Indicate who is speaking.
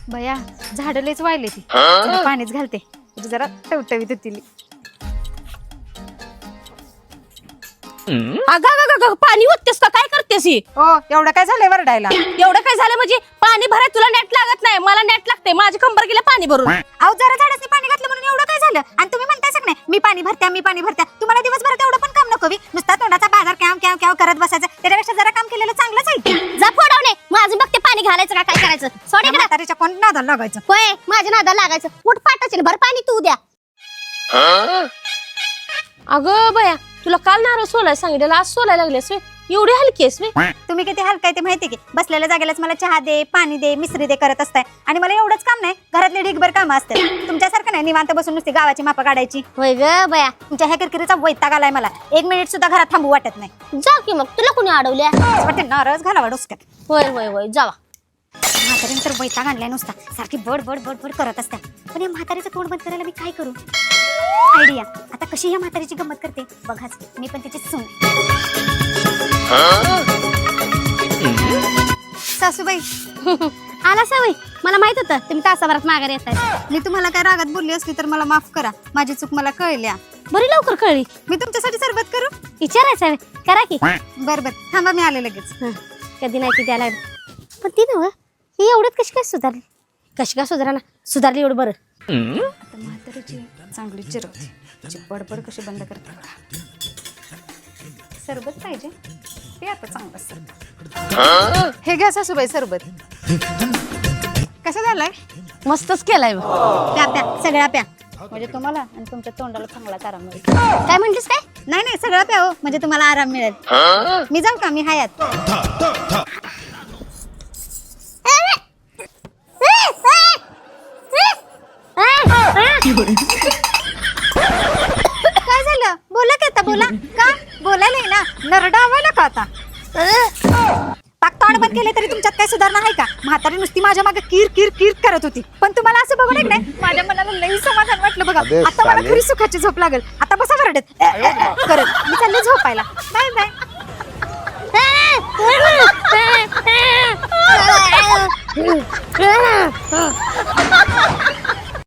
Speaker 1: बया झाड लयच वाळले ती पाणीच घालते जरा टवटवीत होतील.
Speaker 2: अगं पाणी ओततेस का काय करतेस ही?
Speaker 1: हो एवढं काय झालंय वरडायला?
Speaker 2: एवढं काय झालं म्हणजे पाणी भराय तुला नेट लागत नाही, मला नेट लागते. माझी कंबर गेले पाणी भरून.
Speaker 1: अहो जरा झाडाचे पाणी घातलं म्हणून एवढं काय झालं? आणि तुम्ही म्हणताय सग नाही मी पाणी भरत्या. तुम्हाला दिवसभरात एवढं पण काम नको नुसता तोंडाचा बाजार कॅव करत बसायचं. त्याच्यापेक्षा जरा काम केलेलं चांगलंच आहे.
Speaker 2: जा फोडवणे माझं बघते पाणी घालायचं का काय करायचं. सोडे का
Speaker 1: म्हातारीच्या कोण नादाला लागायचं?
Speaker 2: होय माझ्या नादाला लागायचं. उठ पाटाचे भर पाणी तू उद्या. अगं बया तुला काल नारळ सोलाय सांगितलं, आज सोलाय लागलेस वे. एवढी हलकी आहेस वे.
Speaker 1: तुम्ही किती हलकाय ते माहिती की बसलेल्या जागेलाच मला चहा दे पाणी दे मिसरी दे करत असताय. आणि मला एवढंच काम नाही घरातले ढीगभर कामं असतात. तुमच्यासारखं नाही निवांत बसून नुसती गावाची मापा काढायची.
Speaker 2: होय ग बया
Speaker 1: तुमच्या ह्या किरकिरीचा वैताग आलाय मला. 1 मिनिट सुद्धा घरात थांबू वाटत नाही.
Speaker 2: जा की मग तुला कोणी अडवल्या?
Speaker 1: वाटते नारळच घालावा डोसक्यात.
Speaker 2: होय जावा.
Speaker 1: म्हातारीने तर वैताग आणलाय नुसता सारखी बड करत असतात. पण या म्हातारीचं तोंड बंद करायला मी काय करू? आयडिया. आता कशी या म्हातारीची गंमत करते बघाच. मी पण तिची सून. सासूबाई
Speaker 2: आला सवय मला माहित होतं तुम्ही तासाभरात माघारी येताय.
Speaker 1: मी तुम्हाला काय रागात बोलली असली तर मला माफ करा. माझी चूक मला कळल्या.
Speaker 2: बरी लवकर कळली.
Speaker 1: मी तुमच्यासाठी सरबत करू?
Speaker 2: विचारायचं करा की.
Speaker 1: बर थांबा मी आले लगेच.
Speaker 2: कधी नाही किती आला. पण ती नव्ह ही एवढ्यात कशी काय सुधारली? कशी काय सुधारणा सुधारली एवढं बरं.
Speaker 1: आता म्हातारीची चांगली चिरवते. बडबड कशी बंद करते. सरबत पाहिजे ते आता चांगलं सरबत. हे घ्या सासूबाई सरबत. कसं झालंय?
Speaker 2: मस्तच केलाय.
Speaker 1: प्या सगळ्या प्या म्हणजे तुम्हाला आणि तुमच्या तोंडाला चांगलाच आराम मिळेल.
Speaker 2: काय म्हणलीस काय?
Speaker 1: नाही सगळं प्या हो म्हणजे तुम्हाला आराम मिळेल. मी जाऊ का? मी हयात. काय झालं? बोला की आता बोला. का बोलायला ना नरडावायला का आता? पाक तोंड बंद केले तरी तुमच्यात काय सुधारणा आहे का? म्हातारी नुसती माझ्या मागे किर करत होती. पण तुम्हाला असं बघून एक नाही माझ्या मनाला लई समाधान वाटलं बघा. आता मला खरी सुखाची झोप लागेल. आता बसा वरडत करत मी चालले झोपायला. बाय.